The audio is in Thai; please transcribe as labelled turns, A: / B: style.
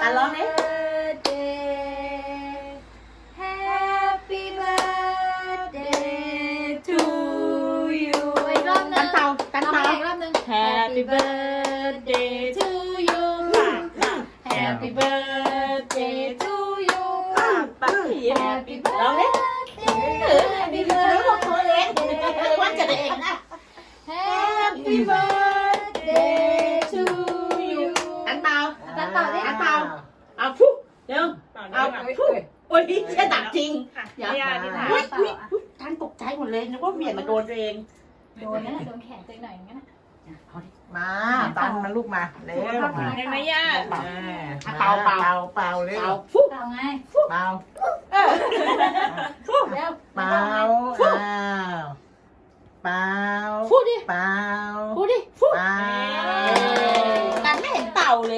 A: กันร้องดิ
B: Happy birthday to you อีกรอบนึ
A: กัน
B: ง
A: เตากันเตา
B: อีกรอบนึง
A: Happy birthday to you Happy birthday to you Happy birthday ร้องดิ Happy birthday ของตัวเองวันเกิดเองนะ
B: Happy birthday to you
A: กันเตา
B: กันเต่าดิ
A: กันเตาเอาฟุ๊เร็วเอาฟุ๊โอ้ยแค่ตัดจริงเดี๋ยวอุ๊ยท่านตกใจหมดเลยนึกว่าเบี่ยงมาโดนตัวเอง
B: โดนนะโดนแขนตัวหน่อยงั้น
A: เอาดิ
C: มาตันมาลูกมาเร็วมา
D: ได้ไหมย่า
A: เป่าเป่า
C: เป่าเร็ว
A: เอาฟุ๊
B: เอาไง
C: เป่า
B: เร็ว
C: เป่าอ้าวเป่า
A: ฟุ๊ดิ
C: เป่า
A: ฟุ๊ดิฟุ๊
C: เป่า
A: กันไม่เห็นเต่าเลย